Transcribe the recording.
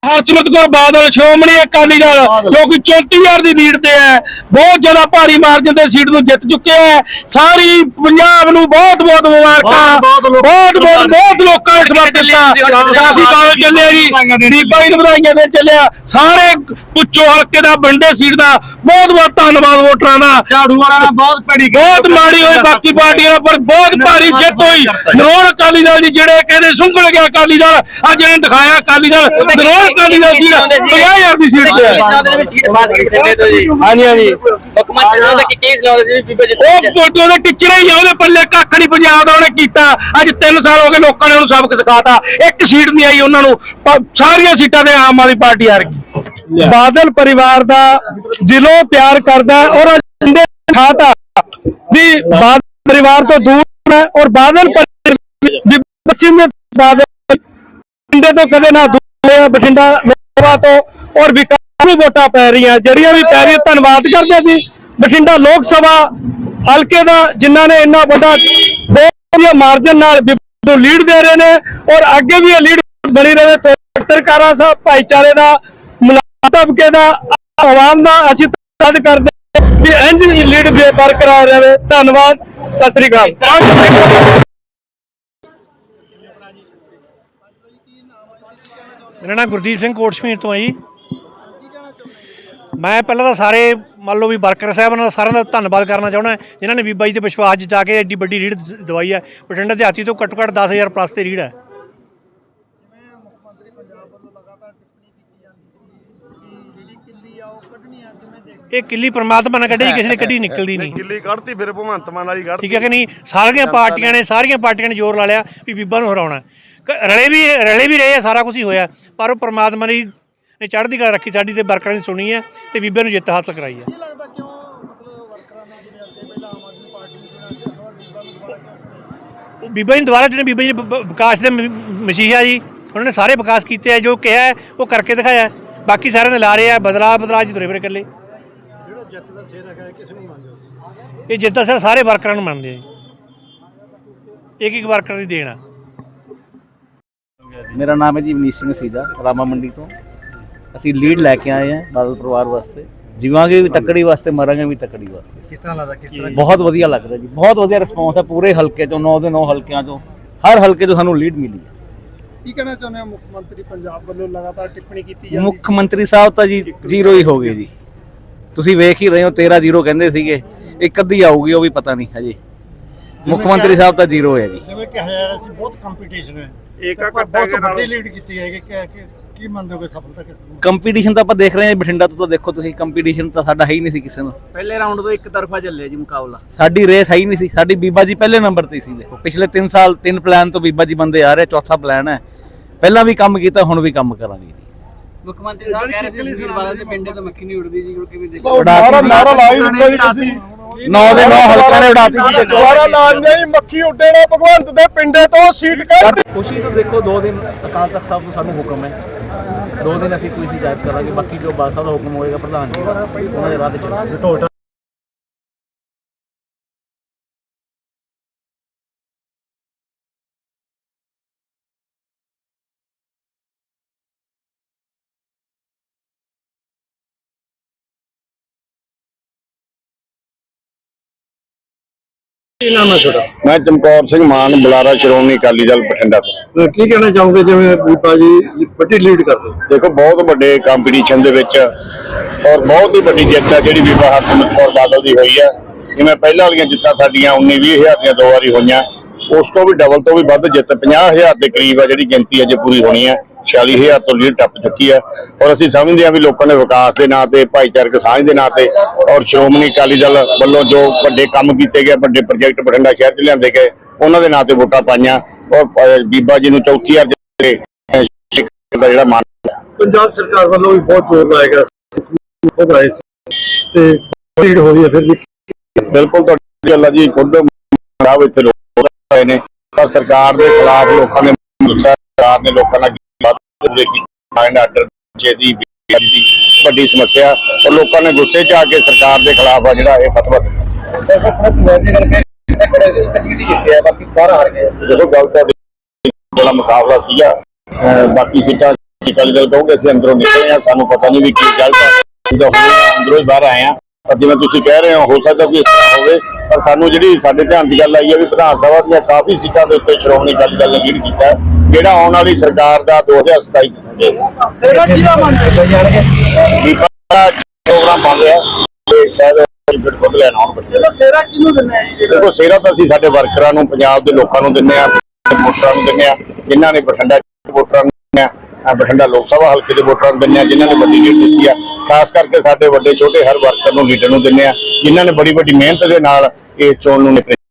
हरसिमरत कौर बादल श्रोमणी अकाली दल जो कि 34,000 की लीड से है, बहुत ज्यादा भारी मार्जिन से सीट को जित चुके हैं। सारी पंजाब नूं बहुत बहुत मुबारक, बहुत लोगों ने समर्थन दिता। सियासी कागज चले जी, बीबा जी बधाइयां देन चले, सारे पुच्छो हल्के का बंडे सीट का बहुत बहुत धन्यवाद वोटरां दा। झाड़ू वाला बहुत माड़ी हुई, बाकी पार्टियां पर बहुत भारी जित हुई। नरोल अकाली दल जी जिहड़े कहंदे सुंघल गया अकाली दल, अज इन्हें दिखाया अकाली दल नरोल अकाली दल सीट 50,000 की सीट पे है। हाँ जी हाँ जी, फोटो के टिचरे ही है, पल्ले कख नहीं पंजाब का उन्हें किया। अज 3 साल हो गए लोगों ने उन्हें सबक सिखाता, एक सीट नहीं आई उन्होंने, सारिया सीटां ते आम आदमी पार्टी हार गई। बादल परिवार का दिलों प्यार करता है और दिखाता भी बादल परिवार तो दूर है, और बादल बठिंडे तो कदे ना दूर है, बठिंडा लोकसभा तो और विकास भी वोटां पै रही हैं, जड़ियां भी पै रही। धन्यवाद करते जी बठिंडा लोक सभा हल्के का जिन्होंने इन्ना बड़ा बहुत मार्जिन लीड दे रहे हैं, और अगे भी लीड बनी रहे। पत्रकारा साहब भाईचारे का मुलाकात तबके का आवाम का असीं धन्यवाद करते कि इंज लीड बरकरार रहे। धन्यवाद, सत श्री अकाल। मेरा नाम गुरदीप सिंह कोटशमीर तो है जी। मैं पहले तो सारे मान लो भी वर्कर साहबान का सारे का धन्यवाद करना चाहना जिन्होंने बीबा जी के विश्वास जचा के एड्डी बड़ी रीढ़ दवाई है। बठिंडा देहाती तो घट्टो घट्ट 10,000 प्लस की रीढ़ है। ये किली परमात्मा ने कढ़ी, किसी ने कढ़ी निकलती नहीं। किली कढ़ती फिर भगवंत मान वाली कढ़ती, ठीक है कि नहीं। सारियां पार्टियां ने जोर ला लिया भी बीबा नूं हराउणा। रले भी रहे, सारा कुछ ही होया, पर परमात्मा ने चढ़दी कला रखी, साडी ते वर्करां ने सुनी है ते बीबे नूं जिੱਤ हासिल कराई है। बीबा जी दोबारा जिन्हें बीबा जी विकास के मसीहा जी, उन्होंने सारे विकास किए हैं, जो कहा है वो करके दिखाया। बाकी सारे ने ला रहे हैं बदलाव जी तुरे फिरे कल्ले। ये जिੱਤ सिर सारे वर्करां नूं मनदे हैं, एक वर्कर की देन है। मेरा नाम है जी मनीष सिंह सीजा, रामा मंडी तो। ਅਸੀਂ ਲੀਡ ਲੈ ਕੇ ਆਏ ਹਾਂ ਬਾਦਲ ਪਰਿਵਾਰ ਵਾਸਤੇ, ਜੀਵਾਂਗੇ ਵੀ ਤੱਕੜੀ ਵਾਸਤੇ, ਮਰਾਂਗੇ ਵੀ ਤੱਕੜੀ ਵਾਸਤੇ। ਕਿਸ ਤਰ੍ਹਾਂ ਲੱਗਦਾ, ਕਿਸ ਤਰ੍ਹਾਂ? ਬਹੁਤ ਵਧੀਆ ਲੱਗਦਾ ਜੀ, ਬਹੁਤ ਵਧੀਆ ਰਿਸਪੌਂਸ ਹੈ ਪੂਰੇ ਹਲਕੇ ਚੋਂ, 9 ਦੇ 9 ਹਲਕਿਆਂ ਚੋਂ, ਹਰ ਹਲਕੇ ਤੋਂ ਸਾਨੂੰ ਲੀਡ ਮਿਲੀ ਹੈ। ਕੀ ਕਹਿਣਾ ਚਾਹੁੰਦੇ ਹੋ? ਮੁੱਖ ਮੰਤਰੀ ਪੰਜਾਬ ਵੱਲੋਂ ਲਗਾਤਾਰ ਟਿੱਪਣੀ ਕੀਤੀ ਜਾਂਦੀ, ਮੁੱਖ ਮੰਤਰੀ ਸਾਹਿਬ ਤਾਂ ਜੀ ਜ਼ੀਰੋ ਹੀ ਹੋ ਗਏ ਜੀ, ਤੁਸੀਂ ਵੇਖ ਹੀ ਰਹੇ ਹੋ। 13-0 ਕਹਿੰਦੇ ਸੀਗੇ, ਇੱਕ ਅੱਧੀ ਆਊਗੀ ਉਹ ਵੀ ਪਤਾ ਨਹੀਂ ਹਜੇ। ਮੁੱਖ ਮੰਤਰੀ ਸਾਹਿਬ ਤਾਂ ਜ਼ੀਰੋ ਹੈ ਜੀ। ਜਿਵੇਂ ਕਿਹਾ ਜਾ ਰਿਹਾ ਸੀ ਬਹੁਤ ਕੰਪੀਟੀਸ਼ਨ ਹੈ, ਬਹੁਤ ਵੱਡੀ ਲੀਡ ਕੀਤੀ ਹੈ ਕਿ ਕੀ ਮੰਨਦੇ ਹੋ ਸਫਲਤਾ ਕਿਸ ਨੂੰ? ਕੰਪੀਟੀਸ਼ਨ ਤਾਂ ਆਪਾਂ ਦੇਖ ਰਹੇ ਹਾਂ ਬਠਿੰਡਾ ਤੋਂ, ਤਾਂ ਦੇਖੋ ਤੁਸੀਂ ਕੰਪੀਟੀਸ਼ਨ ਤਾਂ ਸਾਡਾ ਹੈ ਹੀ ਨਹੀਂ ਸੀ ਕਿਸੇ ਨੂੰ। ਪਹਿਲੇ ਰਾਉਂਡ ਤੋਂ ਇੱਕ ਤਰਫਾ ਚੱਲਿਆ ਜੀ ਮੁਕਾਬਲਾ, ਸਾਡੀ ਰੇਸ ਹੈ ਹੀ ਨਹੀਂ ਸੀ। ਸਾਡੀ ਬੀਬਾ ਜੀ ਪਹਿਲੇ ਨੰਬਰ ਤੇ ਸੀ। ਦੇਖੋ ਪਿਛਲੇ 3 ਸਾਲ 3 ਪਲਾਨ ਤੋਂ ਬੀਬਾ ਜੀ ਬੰਦੇ ਆ ਰਹੇ, ਚੌਥਾ ਪਲਾਨ ਹੈ। ਪਹਿਲਾਂ ਵੀ ਕੰਮ ਕੀਤਾ, ਹੁਣ ਵੀ ਕੰਮ ਕਰਾਂਗੇ ਜੀ। ਮੁੱਖ ਮੰਤਰੀ ਸਾਹਿਬ ਕਹਿ ਰਹੇ ਸੀ ਬਾਦਲ ਦੇ ਪਿੰਡੇ ਤੋਂ ਮੱਖੀ ਨਹੀਂ ਉੜਦੀ ਜੀ, ਕਿਵੇਂ ਦੇਖੋ? ਨਾਰਾ ਲਾਈ ਦਿੱਤਾ ਜੀ ਤੁਸੀਂ, 9 ਦੇ 9 ਹਲਕਿਆਂ ਨੇ ਉਡਾਤੀ ਜੀ। ਦੁਬਾਰਾ ਲਾਜ ਨਹੀਂ, ਮੱਖੀ ਉੱਡੇ ਨਾ ਭਗਵੰਤ ਦੇ ਪਿੰਡੇ ਤੋਂ ਸੀਟ ਕੱਢ। ਖੁਸ਼ੀ ਤੋਂ ਦੇਖੋ 2 ਦਿਨ ਅਕਾਲ ਤਖਤ ਸਾਹਿਬ ਤੋਂ ਸਾਨੂੰ ਹੁਕਮ ਹੈ, 2 ਦਿਨ ਅਸੀਂ ਕੋਈ ਜਾਇਜ਼ ਕਰਾਂਗੇ। ਬਾਕੀ ਜੋ ਬਾਦਲ ਸਾਹਿਬ ਦਾ ਹੁਕਮ ਹੋਏਗਾ ਪ੍ਰਧਾਨ ਜੀ ਦਾ, ਉਹਨਾਂ ਦੇ ਰਾਹ ਤੇ ਚੱਲਾਂਗੇ। मैं चमकौर सिंह मान बुलारा श्रोमणी अकाली दल बठिंडा तो। ਕੀ ਕਹਿਣਾ ਚਾਹੋਗੇ ਜਿਵੇਂ ਬੀਬਾ ਜੀ ਵੱਡੀ ਲੀਡ ਕਰਦੇ? देखो बहुत बड़े कंपीटीशन दे विच और बहुत ही बड़ी जित है जी बीबा हरसिमरत कौर बादल की हुई है। जिवें पहले वाली जित्तां साडियां 19-20 हज़ार ਦੀਆਂ 2 वारी होईयां, उस तो भी डबल तो भी वध जित 50,000 के करीब है जी गिनती अज पूरी होनी है। 46,000 तो लीड टप चुकी है, और असीं समझते हैं भी लोगों ने विकास के नाँ से, भाईचारक साझ के नाँ से और श्रोमणी अकाली दल वालों जो बड़े काम किए गए, बड़े प्रोजेक्ट बठिंडा शहर च लिआंदे गए, उन्होंने नाँ से वोटां पाईयां, और बीबा जी नूं चौथी वार दा जिहड़ा मान। ਪੰਜਾਬ ਸਰਕਾਰ ਵੱਲੋਂ ਵੀ ਬਹੁਤ ਜ਼ੋਰ ਲਾਇਆ ਗਿਆ, ਖੁਦ ਆਏ ਸੀ ਤੇ ਲੀਡ ਹੋ ਰਹੀ ਹੈ। ਫਿਰ ਵੀ बिल्कुल तुहाडी गल है जी, खुद खराब इत्थे लोग आए ने, पर सरकार के खिलाफ लोगों ने गुस्सा, सरकार ने लोगों का बड़ी समस्या, और लोगों ने गुस्से च आके सरकार के खिलाफ जिहड़ा ये फतवा देखो गल तुहाडी बड़ा मुकाबला सीगा, बाकी सीटां ਅਕਾਲੀ ਦਲ ਕਹੋਗੇ ਅਸੀਂ ਅੰਦਰੋਂ ਨਿਕਲੇ ਆ, ਸਾਨੂੰ ਪਤਾ ਨਹੀਂ ਵੀ ਕੀ ਰਿਜ਼ਲਟ ਅੰਦਰੋਂ ਹੀ ਬਾਹਰ ਆਏ ਆ। ਪਰ ਜਿਵੇਂ ਤੁਸੀਂ ਕਹਿ ਰਹੇ ਹੋ ਸਕਦਾ ਕੋਈ ਇਸ ਤਰ੍ਹਾਂ ਹੋਵੇ, ਪਰ ਸਾਨੂੰ ਜਿਹੜੀ ਸਾਡੇ ਧਿਆਨ ਦੀ ਗੱਲ ਆਈ ਹੈ ਵੀ ਵਿਧਾਨ ਸਭਾ ਦੀਆਂ ਕਾਫੀ ਸੀਟਾਂ ਦੇ ਉੱਤੇ ਸ਼੍ਰੋਮਣੀ ਅਕਾਲੀ ਦਲ ਨੇ ਲੀਡ ਕੀਤਾ, ਜਿਹੜਾ ਆਉਣ ਵਾਲੀ ਸਰਕਾਰ ਦਾ 2027 ਚ ਸੰਜੇਗਾ ਪ੍ਰੋਗਰਾਮ ਬਣ ਰਿਹਾ ਤੇ ਸ਼ਾਇਦ ਬਿਲਕੁਲ ਲੈਣ ਆਉਣ ਬੱਚੇ ਸੇਰਾ ਕਿਹਨੂੰ ਦਿੰਦੇ ਆ ਜੀ? ਦੇਖੋ ਸੇਰਾ ਤਾਂ ਅਸੀਂ ਸਾਡੇ ਵਰਕਰਾਂ ਨੂੰ, ਪੰਜਾਬ ਦੇ ਲੋਕਾਂ ਨੂੰ ਦਿੰਦੇ ਆ, ਵੋਟਰਾਂ ਨੂੰ ਦਿੰਦੇ ਆ, ਜਿਨ੍ਹਾਂ ਨੇ ਬਠਿੰਡਾ ਵੋਟਰਾਂ ਨੂੰ ਦਿੰਦੇ ਆ, ਬਠਿੰਡਾ ਲੋਕ ਸਭਾ ਹਲਕੇ ਦੇ ਵੋਟਰਾਂ ਨੂੰ ਦਿੰਦੇ ਆ, ਜਿਨ੍ਹਾਂ ਨੇ ਵੱਡੀ ਲੀਡ ਦਿੱਤੀ ਆ। ਖਾਸ ਕਰਕੇ ਸਾਡੇ ਵੱਡੇ ਛੋਟੇ ਹਰ ਵਰਕਰ ਨੂੰ, ਲੀਡਰ ਨੂੰ ਦਿੰਦੇ ਆ, ਜਿਨ੍ਹਾਂ ਨੇ ਬੜੀ ਵੱਡੀ ਮਿਹਨਤ ਦੇ ਨਾਲ ਇਸ ਚੋਣ ਨੂੰ ਨਿਪਟਿਆ।